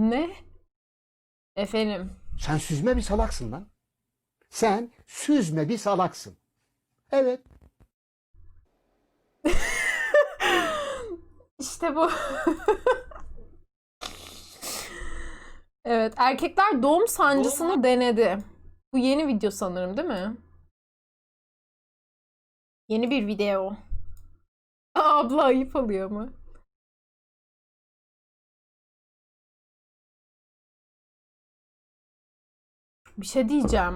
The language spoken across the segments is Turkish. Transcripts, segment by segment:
Ne? Efendim. Sen süzme bir salaksın lan. Sen süzme bir salaksın. Evet. İşte bu. Evet, erkekler doğum sancısını denedi. Bu yeni video sanırım, değil mi? Yeni bir video. Abla ayıp oluyor mu? Bir şey diyeceğim.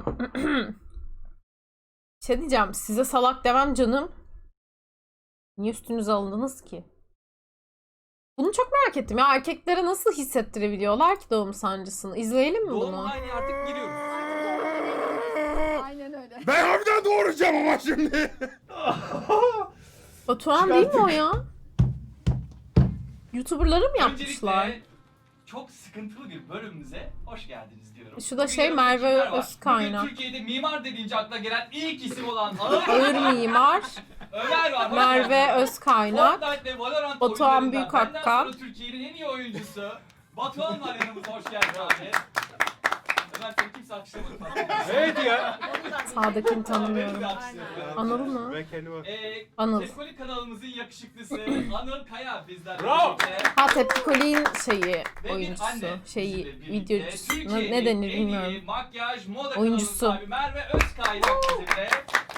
Bir şey diyeceğim. Size salak demem canım. Niye üstünüze alındınız ki? Bunu çok merak ettim ya. Erkeklere nasıl hissettirebiliyorlar ki doğum sancısını? İzleyelim mi Doğum bunu? haline artık giriyoruz. Aynen öyle. Ben harbiden doğuracağım ama şimdi. Batuhan değil mi o ya? YouTuber'ları mı yapmışlar? Öncelikle çok sıkıntılı bir bölümümüze hoş geldiniz diyorum. Şu da Bugün şey, yanımda Merve kimler var? Özkaynak. Bugün Türkiye'de mimar dediğince akla gelen ilk isim olan Ağır mimar, Ömer var. hoş Merve geldin. Özkaynak, Fortnite ve Valorant Batuhan oyunlarından Büyükakkan. benden sonra Türkiye'nin en iyi oyuncusu Batuhan var yanımızda, hoş geldin abi. Ömer seni kimse alkışlamadı. Evet ya. sağdakini tanımıyorum. Anıl mı? Ben kendime... Anıl. Tepkoli kanalımızın yakışıklısı Anıl Kaya bizlerle Bravo. birlikte. Ha, Tepkikol'in şeyi, Ve bir oyuncusu, anne şeyi, bizimle birlikte. videocusu. Türkiye'nin Ne denir en iyi bilmiyorum. makyaj, moda Oyuncusu. kanalı sahibi Merve Özkaynak bizimle.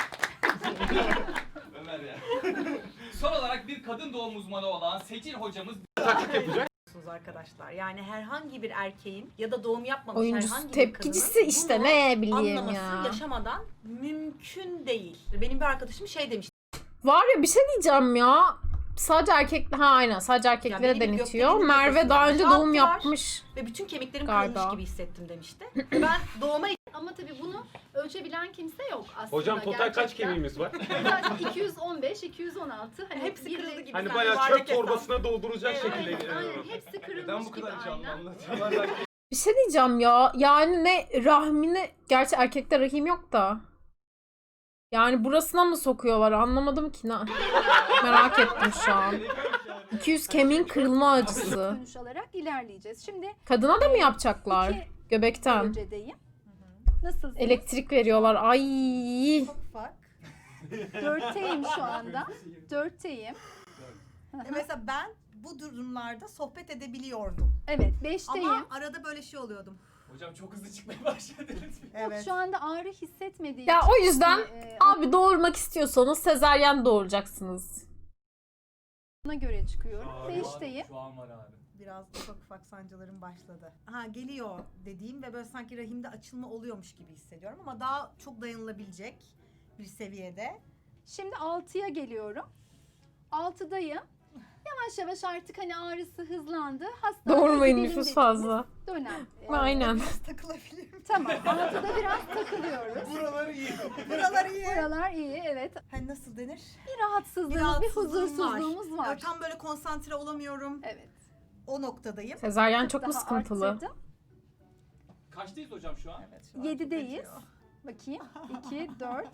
Ömer ya. Son olarak bir kadın doğum uzmanı olan Seçil hocamız Taklit yapacak. Arkadaşlar yani herhangi bir erkeğin ya da doğum yapmamış Oyuncusu, herhangi bir tepkicisi kadının işte, bunu ne bileyim anlaması ya. yaşamadan mümkün değil. Benim bir arkadaşım şey demişti. Var ya, bir şey diyeceğim ya. Sadece erkek, ha aynen, sadece erkeklere benim denetiyor. gökdelenin Merve nefesini daha önce boşalttılar doğum yapmış. Ve bütün kemiklerim Galiba. kırılmış gibi hissettim demişti. Ben doğuma Ama tabii bunu ölçebilen kimse yok aslında. Hocam total kaç gerçekten. kemiğimiz var? Total 215, 216. Hani hepsi biri- kırıldı gibi. Hani sen bayağı yuvarlak çöp hesap. torbasına dolduracak Evet, şekilde Aynen, geliyor. aynen. Hepsi kırılmış neden bu gibi kadar canlı aynen. anlatıyorlar? Bir şey diyeceğim ya. Yani ne rahmine, gerçi erkekte rahim yok da. Yani burasına mı sokuyorlar, anlamadım ki. Merak ettim şu an. 200 kemiğin kırılma acısı. Dönüş alarak ilerleyeceğiz. Şimdi Kadına da mı yapacaklar? 2 Göbekten. derecedeyim. Nasılsınız? Elektrik veriyorlar. Ay. Ufak. 4'teyim şu anda. 4'teyim. Mesela ben bu durumlarda sohbet edebiliyordum. Evet, 5'teyim. Ama arada böyle şey oluyordum. Hocam çok hızlı çıkmaya başladınız. Evet. Şu anda ağrı hissetmediğim Ya için, o yüzden e, abi doğurmak istiyorsanız sezaryen doğuracaksınız. ona göre çıkıyorum. 5'teyim. Şu an var abi. Biraz ufak ufak sancılarım başladı. Ha geliyor dediğim ve böyle sanki rahimde açılma oluyormuş gibi hissediyorum ama daha çok dayanılabilecek bir seviyede. Şimdi 6'ya geliyorum. 6'dayım. Yavaş yavaş artık hani ağrısı hızlandı. Hastaneye Doğurmayın, gidelim nüfus dediniz. fazla. Dönem. Aynen. Biraz takılabilirim. Tamam. 6'da biraz takılıyoruz. Buraları iyi. Buralar iyi. Buralar iyi, evet. Hani nasıl denir? Bir rahatsızlığımız, bir rahatsızlığım huzursuzluğumuz var. Böyle tam böyle konsantre olamıyorum. Evet. O noktadayım. Sezaryen çok mu Daha sıkıntılı? arttırdım. Kaçtayız hocam şu an? Evet, şu an 7'deyiz. acıyor. Bakayım. 2, 4.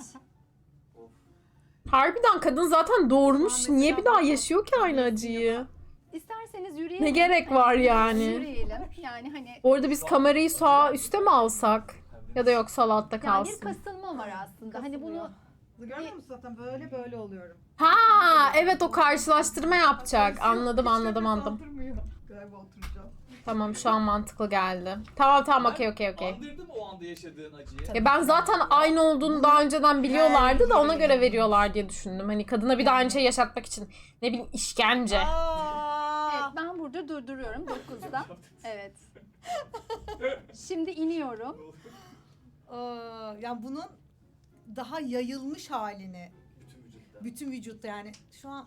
Harbiden kadın zaten doğurmuş. Şu an Niye mesela bir daha bak- yaşıyor ki aynı acıyı? İsterseniz yürüyelim. Ne gerek Hani var yani? Yürüyelim. Yani hani Bu arada biz kamerayı sağ üste mi alsak? Ya da yok, sol altta yani bir kalsın. kasılma var aslında. Hani bunu Görmüyor musun zaten böyle böyle oluyorum. Ha evet, o karşılaştırma yapacak. Anladım. Galiba oturacağım. Tamam, şu an mantıklı geldi. Tamam, okey. Andırdı mı o anda yaşadığın acıyı? Ya ben zaten aynı olduğunu daha önceden biliyorlardı da ona göre veriyorlar diye düşündüm. Hani kadına bir daha aynı şey yaşatmak için. Ne bileyim, işkence. evet, ben burada durduruyorum 9'da. Evet. Şimdi iniyorum. Yani bunun daha yayılmış halini Bütün vücutta. bütün vücutta yani şu an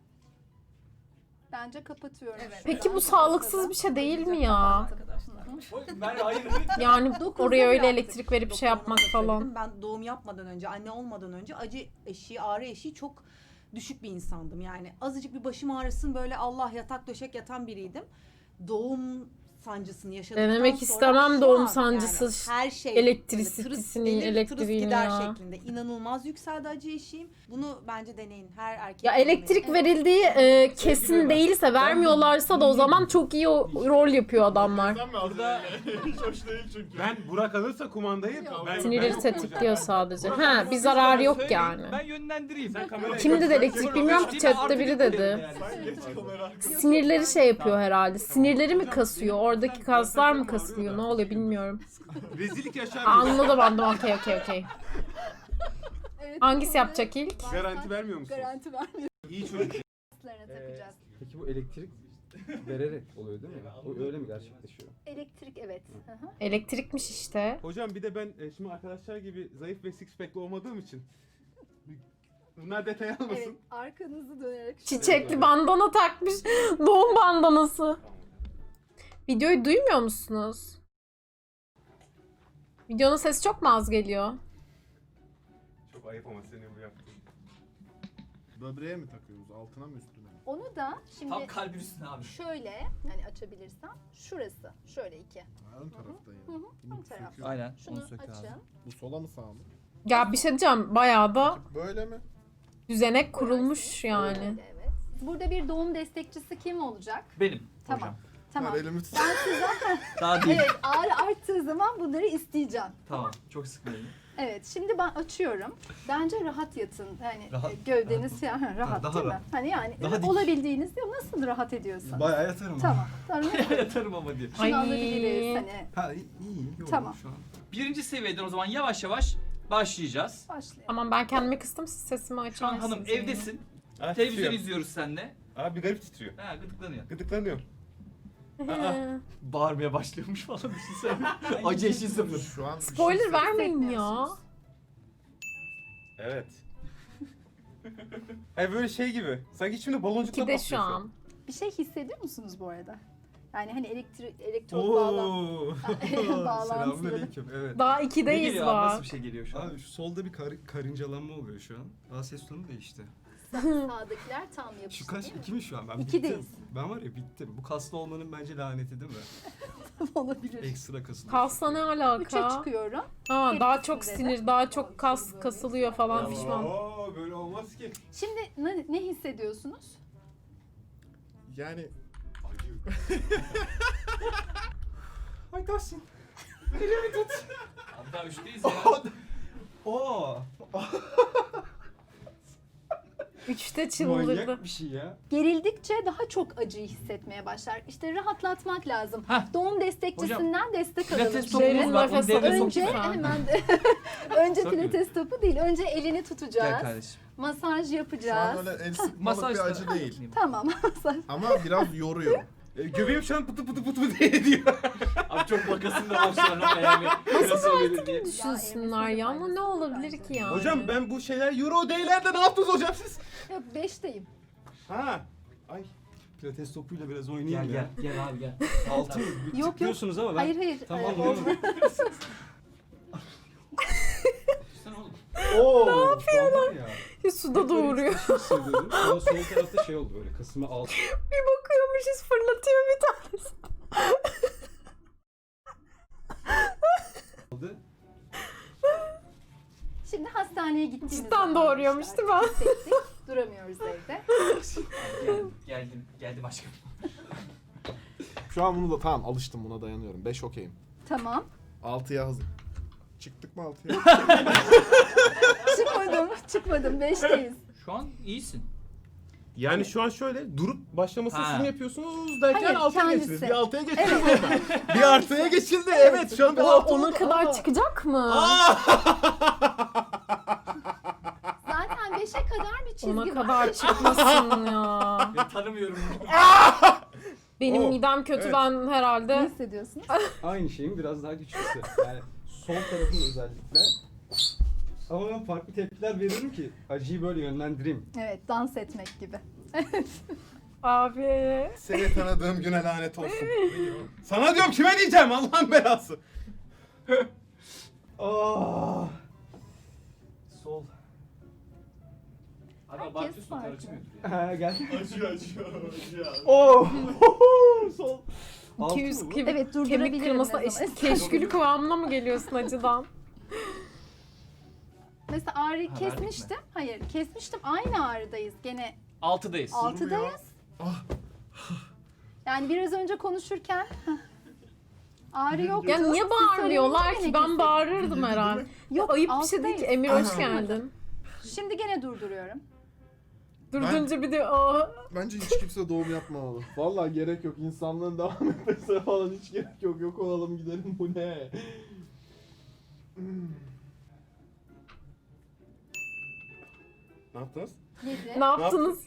Bence kapatıyorum. Evet. Peki bu sağlıksız bir şey değil mi ya? arkadaşlar. Ben hayır. Yani Dokuzda oraya öyle bıraktık. elektrik verip şey Doktoruma yapmak da falan. söyledim. Ben doğum yapmadan önce, anne olmadan önce acı eşiği, ağrı eşiği çok düşük bir insandım. Yani azıcık bir başım ağrısın böyle Allah yatak döşek yatan biriydim. Doğum sancısını yaşadıktan Denemek sonra istemem şu doğum an sancısı, her şey elektrisitesini, gelir, elektriğini gider ya. şeklinde inanılmaz yükseldi acı eşiğim. Bunu bence deneyin. Her erkek Ya denemeli. elektrik Evet. verildiği kesin değilse, vermiyorlarsa da o zaman çok iyi rol yapıyor adamlar. Burada Hiç hoş değil çünkü. Ben Burak alırsa kumandayı Sinirleri tetikliyor sadece. Ha, bir zararı yok yani. Ben yönlendireyim. Sen kamerayı Kimdi de elektrik bilmiyorum ki, chatte biri dedi. Sen geç kamera arkasına. Sinirleri şey yapıyor herhalde. Sinirleri mi kasıyor? Oradaki kaslar mı kasılıyor? Ne oluyor bilmiyorum. Rezillik yaşar mıyız? Anladım okey. Evet, Hangisi bunu yapacak ilk? bağırsak Garanti vermiyor musun? Garanti vermiyoruz. İyi çocuk. Takacağız. Peki bu elektrik vererek oluyor değil mi? O öyle mi gerçekleşiyor? Elektrik evet. Hı hı. Elektrikmiş işte. Hocam bir de ben şimdi arkadaşlar gibi zayıf ve six pack'li olmadığım için bunlar detay almasın. Evet, arkanızı dönerek. Çiçekli bandana takmış. Doğum bandanası. Videoyu duymuyor musunuz? Videonun sesi çok mu az geliyor? Çok ayıp ama senin bu yaptığın. Böbreğe mi takıyoruz? Altına mı üstüne mi? Onu da şimdi tam kalbin üstüne abi. şöyle hani açabilirsem şurası şöyle iki. Ha, ön tarafta yani. Hı hı, Bunu ön taraf. söküyor. Aynen. Şunu açın. Bu sola mı sağa mı? Ya bir şey diyeceğim. Bayağı da Böyle mi? düzenek kurulmuş yani. Böyle, evet. Burada bir doğum destekçisi kim olacak? Benim Tamam. hocam. Tamam. Ver elimi tut. Ben size Daha değil. evet ağrı arttığı zaman bunları isteyeceğim. Tamam. Çok sıkmayın. Evet şimdi ben açıyorum. Bence rahat yatın. Yani Rahat- gövdeniz rahat, rahat daha değil mi? rahat. Hani yani Daha dik. olabildiğiniz ya nasıl rahat ediyorsun? Bayağı yatarım. Tamam. Tamam. Yatarım ama diye. Şunu Ay. alabiliriz hani. Ha iyi. Yok, Tamam. Şu an. Birinci seviyeden o zaman yavaş yavaş başlayacağız. Başlayalım. Aman ben kendimi kıstım, siz sesimi açar Şu an mısınız hanım yani? evdesin. Aa, Televizyon titriyor. izliyoruz seninle. Abi bir garip titriyor. Ha gıdıklanıyor. Gıdıklanıyor. Bağırmaya başlıyormuş falan düşünsene. Acı eşiği sıfır. Şu an bir şey Spoiler vermeyin ya. Hissetmiyorsunuz. Evet. Ay böyle şey gibi. Sanki içimde baloncukla İkide patlıyor şu an. Bir şey hissediyor musunuz bu arada? Yani hani elektrot Oo. bağlantıları. Selamünaleyküm. Evet. Daha Ne ikideyiz geliyor abi? Nasıl bak. bir şey geliyor şu an? Abi şu solda bir karıncalanma oluyor şu an. Aa ses tonu değişti. Sağdakiler tam yapıştı Şu kaç? değil mi? 2 mi şu an? Ben İkideyiz. bittim. Ben var ya bittim. Bu kaslı olmanın bence laneti değil mi? Olabilir. Ekstra kasılıyor. Kasla ne Üçe alaka? çıkıyorum. Ha, daha çok Hepsinde de. sinir, daha çok kas kasılıyor falan pişman. Oo böyle olmaz ki. Şimdi ne hissediyorsunuz? Yani Acı. Ay Tahsin. Abi daha üçteyiz ya. Oo. Üçte çıldırdı. Manyak bir şey ya. Gerildikçe daha çok acıyı hissetmeye başlar. İşte rahatlatmak lazım. Heh. Doğum destekçisinden destek alalım. Pilates Şimdi. topumuz var. Onu Nefes devreye alın. Önce sokayım. hemen de önce Sokayım. pilates topu değil. Önce elini Gel tutacağız. kardeşim. Masaj şu an yapacağız. öyle el sıkmalık Masaj bir da- acı değil. Tamam. Masaj. Ama biraz yoruyor. Göbeğim şu an pıtı pıtı pıtı diye diyor. Abi çok bakasın da var şu an yani. Nasıl olur diye. Düşünsünler ya, ama ne olabilir ki yani? Hocam ben bu şeyler Euro Day'lerde ne yaptınız hocam siz? Yok 5'teyim. Ha. Ay. Pilates topuyla biraz oynayayım Gel ya. gel gel abi gel. Altı mı? yok. Tıklıyorsunuz ama ben... Hayır hayır. Tamam Olmaz. Sen oğlum. Oo, ne yapıyorlar? Ya. Suda doğuruyor. Şey hissediyordum. Sonra sol tarafta şey oldu böyle. Kasımı alt. Bir bakıyormuşuz, fırlatıyor bir tanesi. aldı. Şimdi hastaneye gittiğimiz Cidden zaman doğuruyormuş işte değil mi? hissettik. Duramıyoruz evde. Geldim aşkım. Şu an bunu da tamam alıştım, buna dayanıyorum. 5 okeyim. Tamam. 6'ya hazır. Çıktık mı 6'ya? Çıkmadım. 5'teyiz. Şu an iyisin. Yani şu an şöyle durup başlamasını Ha. siz mi yapıyorsunuz derken Hayır, 6'ya kendisi. geçtiniz. Bir 6'ya geçtiniz orada. Bir artıya geçildi. Evet şu an bir 6 Ona kadar çıkacak mı? Zaten 5'e kadar bir çizgi Ona var. kadar çıkmasın ya. Ya tanımıyorum. Benim Oh, midem kötü, evet. ben Ne herhalde. hissediyorsunuz? Aynı şeyin biraz daha güçlüsü. Yani sol tarafın özellikle. Ama ben farklı tepkiler veririm ki acıyı böyle yönlendireyim. Evet, dans etmek gibi. Abi. Seni tanıdığım güne lanet olsun. Sana diyorum, kime diyeceğim, Allah'ın belası. Ah. Sol. Abi Herkes abartıyorsun, farklı. karışmıyordur ya. Ha, gel. Acıyor. Oh. Sol. Altı 200 mı bu? kemik, Evet, kemik durdurabilirim kırmasına ne zaman eşit keşkülü kıvamına mı geliyorsun acıdan? Mesela ağrıyı Ha, verdik mi? kesmiştim. Hayır, kesmiştim. Aynı ağrıdayız. Gene 6'dayız. 6'dayız. Yani biraz önce konuşurken ağrı yok. Ya niye bağırmıyorlar ki? Ben bağırırdım herhalde. Yok, Ayıp bir şey değil ki. Emir hoş geldin. Şimdi gene durduruyorum. Durdunca bir de o. Bence hiç kimse doğum yapmamalı. Vallahi gerek yok. İnsanlığın devam etmesine falan hiç gerek yok. Yok olalım gidelim, bu ne? Ne yaptınız? 7. Ne yaptınız?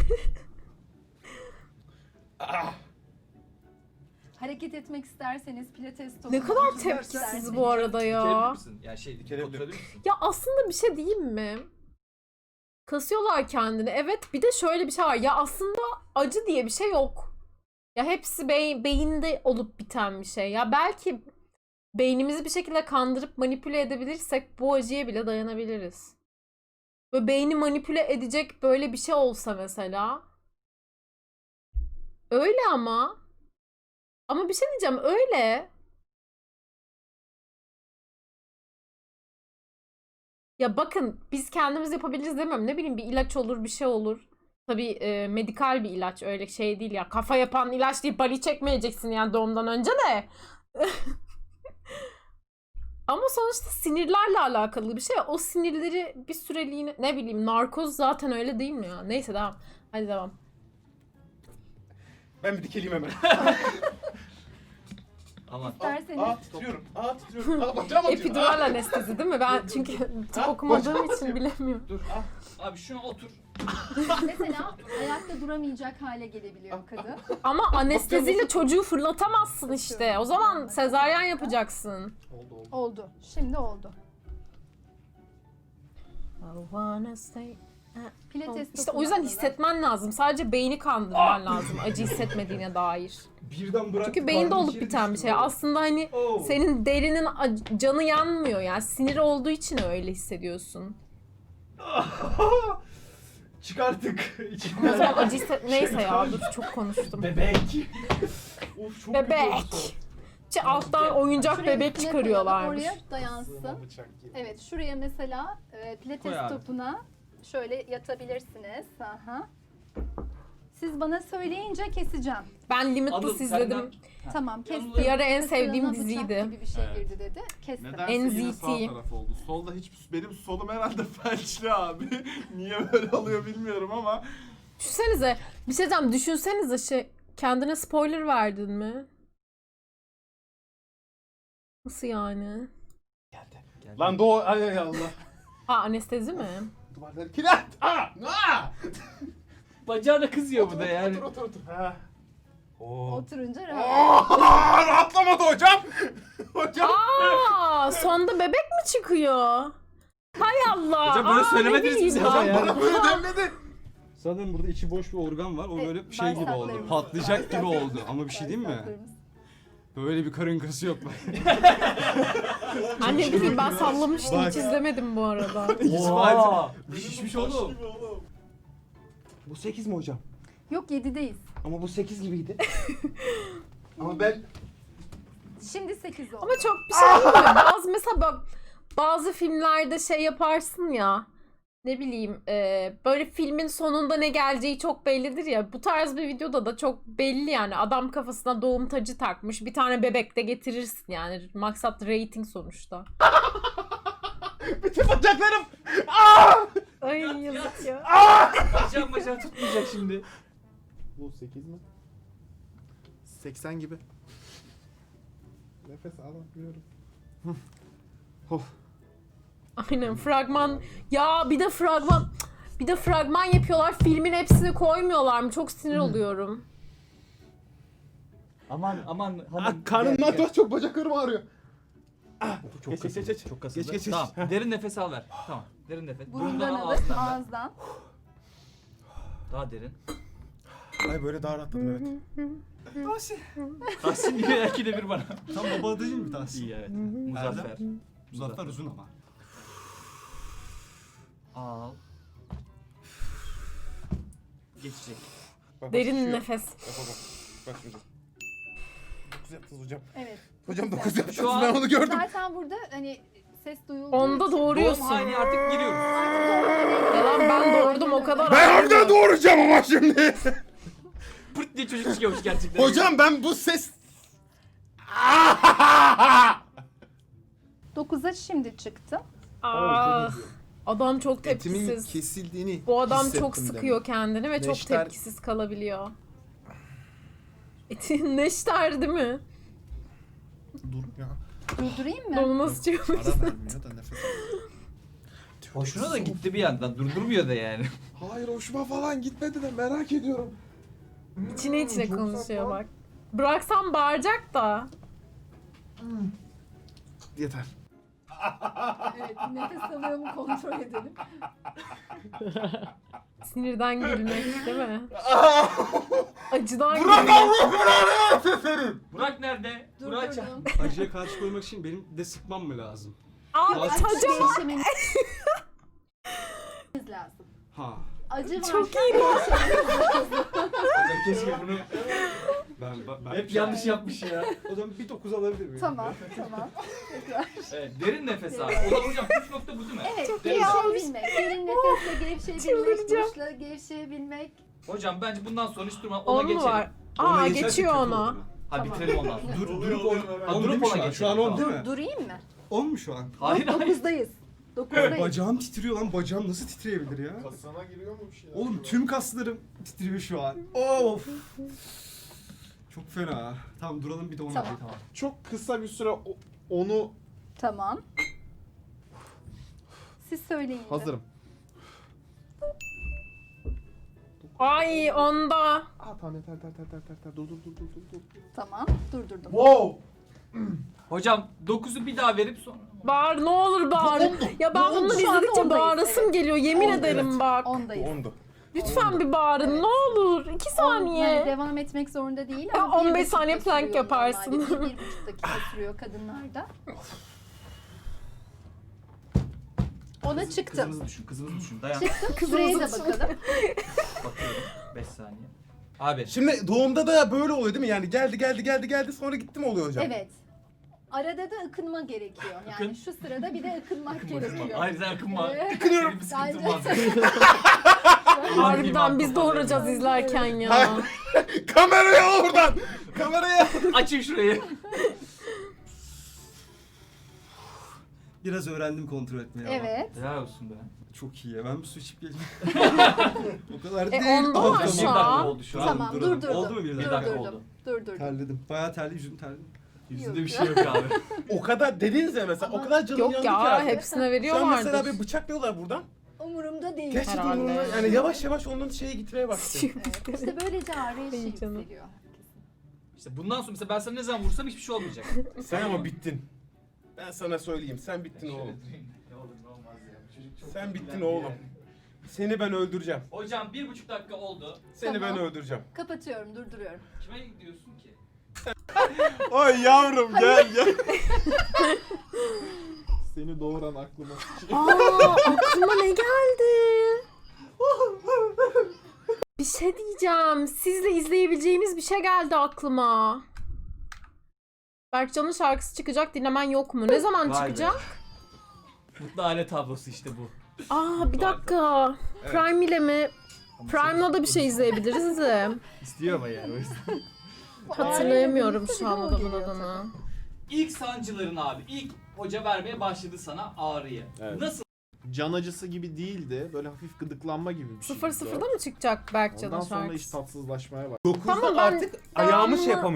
Hareket etmek isterseniz pilates topu. Ne kadar tepkisiz bu arada Dikebilir ya. misin? Yani şey Dikebilir. oturabilir misin? Ya aslında bir şey diyeyim mi? Kasıyorlar kendini. Evet, bir de şöyle bir şey var. Ya aslında acı diye bir şey yok. Ya hepsi beyinde olup biten bir şey. Ya belki beynimizi bir şekilde kandırıp manipüle edebilirsek bu acıya bile dayanabiliriz. Böyle beyni manipüle edecek böyle bir şey olsa mesela. Öyle ama. Ama bir şey diyeceğim, öyle. Ya bakın, biz kendimiz yapabiliriz demiyorum. Ne bileyim, bir ilaç olur, bir şey olur. Tabii medikal bir ilaç, öyle şey değil ya. Kafa yapan ilaç deyip bali çekmeyeceksin yani doğumdan önce de. Ama sonuçta sinirlerle alakalı bir şey. O sinirleri bir süreliğine, ne bileyim, narkoz zaten öyle değil mi ya? Neyse, devam. Hadi devam. Ben bir dikeleyim hemen. Aman. İsterseniz Titriyorum. Titriyorum. Bacağım acıyor. Epidural anestezi değil mi? Ben çünkü tıp okumadığım için bilemiyorum. Dur. Abi şuna otur. mesela ayakta duramayacak hale gelebiliyor kadın. Ama anesteziyle çocuğu fırlatamazsın işte. O zaman sezaryen yapacaksın. Oldu. Şimdi oldu. Pilates İşte topunu o yüzden alalım. hissetmen lazım. Sadece beyni kandırman lazım acı hissetmediğine dair. Birden bıraktı. Çünkü beyinde karnım olup içeri biten bir düştü şey. böyle. Aslında hani Oo. senin derinin canı yanmıyor yani. Sinir olduğu için öyle hissediyorsun. Çıkarttık. O zaman acı neyse ya, dur çok konuştum. Bebek. Of, çok Bebek. Alttan oyuncak Şuraya bebek üstüne çıkarıyorlarmış. koyalım, oraya dayansın. Evet, şuraya mesela pilates Koy abi. topuna şöyle yatabilirsiniz. Aha. Siz bana söyleyince keseceğim. Ben Limitless Anıl, izledim. senden- Tamam, kestim. Bir ara en Kısırına sevdiğim bıçak diziydi. gibi bir şey Evet. girdi dedi. Kestim. Nedense yine NZT. sağ taraf oldu. Solda benim solum herhalde felçli abi. Niye böyle oluyor bilmiyorum ama. Düşünsenize, bir şey diyeceğim, düşünsenize kendine spoiler verdin mi? Nasıl yani? Lan doğu ay Allah. Anestezi mi? Duvarları kilit. Bacağına kızıyor bu da yani. Otur. Ha. Oturunca rahat. Rahatlamadı hocam. Hocam. Sonda bebek mi çıkıyor? Hay Allah. Hocam böyle söylemediniz ne bize bileyim hocam ben. ya. Bana böyle demledi. Sanırım burada içi boş bir organ var. O böyle şey gibi oldu. bağırsaklarımız. Patlayacak gibi oldu. Ama bir şey diyeyim mi? Bağırsaklarımız. Böyle bir karın kası yok. Anne bileyim, ben sallamıştım, hiç izlemedim bu arada. Oha. Şişmiş oğlum. Bu 8 mi hocam? Yok, 7'deyiz. Ama bu 8 gibiydi. Ama ben Şimdi 8 oldu. Ama çok bir şey değil mi? Mesela bazı filmlerde şey yaparsın ya. Ne bileyim, böyle filmin sonunda ne geleceği çok bellidir ya. Bu tarz bir videoda da çok belli yani. Adam kafasına doğum tacı takmış. Bir tane bebek de getirirsin yani. Maksat rating sonuçta. Bütün bacaklarım. Ay yazık ya. Bacağım tutmayacak şimdi. Bu 8 mi? 80 gibi. Nefes alamıyorum. Aynen, fragman. Ya bir de fragman yapıyorlar. Filmin hepsini koymuyorlar mı? Çok sinir oluyorum. Aman hanım. Karnımdan çok bacaklarım ağrıyor. Geç. Çok kasıldı. Geç. Tamam. Derin nefes al ver. Tamam. Derin nefes. Burundan alır, ağzından ver. ağızdan. Daha derin. Ay böyle daha rahatladım evet. Tahsin diyor ya, ikide bir bana. Tam baba adı değil mi Tahsin? İyi evet. Muzaffer. Muzaffer uzun ama. Al. Geçecek. Bak, Derin şişiyor. nefes. Bak. Bak şimdi. 9 yaptınız hocam. Evet. Hocam 9 Şu yaptınız an- ben onu gördüm. Zaten burada hani ses duyulduğu Onda için- Doğum doğuruyorsun. haline artık giriyoruz. Yalan ben doğurdum o kadar. Ben ayrı. harbiden doğuracağım ama şimdi. Pırt diye çocuk çıkıyormuş gerçekten. Hocam ben bu ses... 9'a şimdi çıktı. Ah, adam çok Etimin tepkisiz. kesildiğini Bu adam hissettim çok demek. sıkıyor kendini ve çok Neşter- tepkisiz kalabiliyor. Eti neşter değil mi? Dur ya. Durdurayım mı? Onu nasıl çıkıyor? Ara vermiyor da nefes Hoşuna da gitti bir yandan. Durdurmuyor da yani. Hayır hoşuma falan gitmedi de merak ediyorum. İçine içine Çok konuşuyor saçma. bak. Bıraksam bağıracak da. Yeter. Evet, nefes alıyor mu kontrol edelim. Sinirden gülmek değil mi? Acıdan Burak gülmek. Allah belanı versin. Burak nerede? Burak çağır. Durdurdum. Acıya karşı koymak için benim de sıkmam mı lazım? Abi Biraz acaba Değişmemiz lazım. Ha. Acı var. çok iyi. Hocam keşke bunu Ben hep yanlış yapmış ya. O zaman bir 9 alabilir miyim? Tamam, tamam. Tekrar. Evet, derin nefes abi. O da hocam püf nokta bu değil mi? Evet, Derin- gevşeyebilmek. Derin nefesle gevşeyebilmek, Çıldıracağım. duşla gevşeyebilmek. Hocam bence bundan sonra hiç durma ona On mu geçelim. var? Ona Aa geçersek geçiyor kötü onu. olur. Ha Tamam. bitirelim ondan sonra. Durup on. On Durup değil mi ona şu an? geçelim. Şu an 10 değil mi? Durayım mı? 10 mu şu an? Hayır hayır. 9'dayız. 9'dayız. Bacağım titriyor lan. Bacağım nasıl titreyebilir ya? Kasana giriyor mu bir şeyler? Oğlum tüm kaslarım titriyor şu an. Of. Çok fena. Tamam duralım bir de ona. Tamam. Tamam. Çok kısa bir süre onu Tamam. Siz söyleyin. de. hazırım. Ay onda. Aa tamam yeter dur. Tamam, durdurdum. Wow. Hocam 9'u bir daha verip sonra. Bağır ne olur bağır. Ya ben bunları Şu anda izledikçe ondayız, bağırasım evet. geliyor yemin Ondayız. ederim bak. 10'dayız. 10'du. Lütfen bir bağırın ne olur. 2 Yani saniye. devam etmek zorunda değil Ya ama 15 1,5 saniye dakika plank sürüyor yaparsın. normalde. 1,5 dakika sürüyor kadınlarda. Ona çıktım. Kızımızı düşün, kızımızı düşün. Dayan. Çıktım. Süreye de bakalım. Bakıyorum. 5 saniye. Abi. Şimdi doğumda da böyle oluyor değil mi? Yani geldi sonra gitti mi oluyor hocam? Evet. Arada da ıkınma gerekiyor. Yani Akın. şu sırada bir de ıkınmak gerekiyor. Hayır sen akınma. Evet. Senin bir sıkıntın Bence- var. Harbiden biz doğuracağız izlerken ya. Hayır. Kameraya oradan. Kameraya. Açın şurayı. Biraz öğrendim kontrol etmeyi ama. Evet. Helal olsun be. Çok iyi ya. Ben bir su içip geleyim. O kadar değil. onda Tamam, var tamam. şu Bir dakika an. oldu şu an. Tamam, duralım. durdurdum. Oldu mu bir dakika? dakika? oldu. Durdurdum. Terledim. Bayağı terli, yüzüm terli. Yüzünde bir şey yok abi. O kadar dediniz ya mesela o kadar canım Yok yandı ki ya artık. hepsine Şu an veriyorlardır. mesela bir bıçaklıyorlar buradan. Umurumda değil. Gerçekten Herhalde. onunla yani yavaş yavaş onun şeye gitmeye başladı. Evet. İşte böylece ağrı eşiği İyi canım. yükseliyor. İşte bundan sonra mesela ben sana ne zaman vursam hiçbir şey olmayacak. Sen ama bittin. Ben sana söyleyeyim sen bittin oğlum. Ne olur ne olmaz ya. Çocuk çok Sen bittin etkilendi oğlum. yani. Seni ben öldüreceğim. Hocam 1,5 dakika oldu. Seni Tamam. ben öldüreceğim. Kapatıyorum, durduruyorum. Kime gidiyorsun ki? Ay yavrum gel gel. Seni doğuran aklıma. Aa aklıma ne geldi? Bir şey diyeceğim. Sizle izleyebileceğimiz bir şey geldi aklıma. Berkcan'ın şarkısı çıkacak dinlemen yok mu? Ne zaman Vay be. çıkacak? Mutlu aile tablosu işte bu. Aa bir dakika. Prime ile mi? Prime'la da bir şey izleyebiliriz de. İstiyor ama yani o yüzden. Hatırlayamıyorum şu an O adamın geliyor adını. İlk sancıların abi. İlk hoca vermeye başladı sana ağrıyı. Evet. Nasıl? Can acısı gibi değildi. Böyle hafif gıdıklanma gibi bir şey. 0-0'da mı çıkacak Berkcan'ın Ondan sonra iş şarkısı? tatsızlaşmaya başladı. 9'da Tamam, ben artık ayağımı şey devamını- yapamıyorum.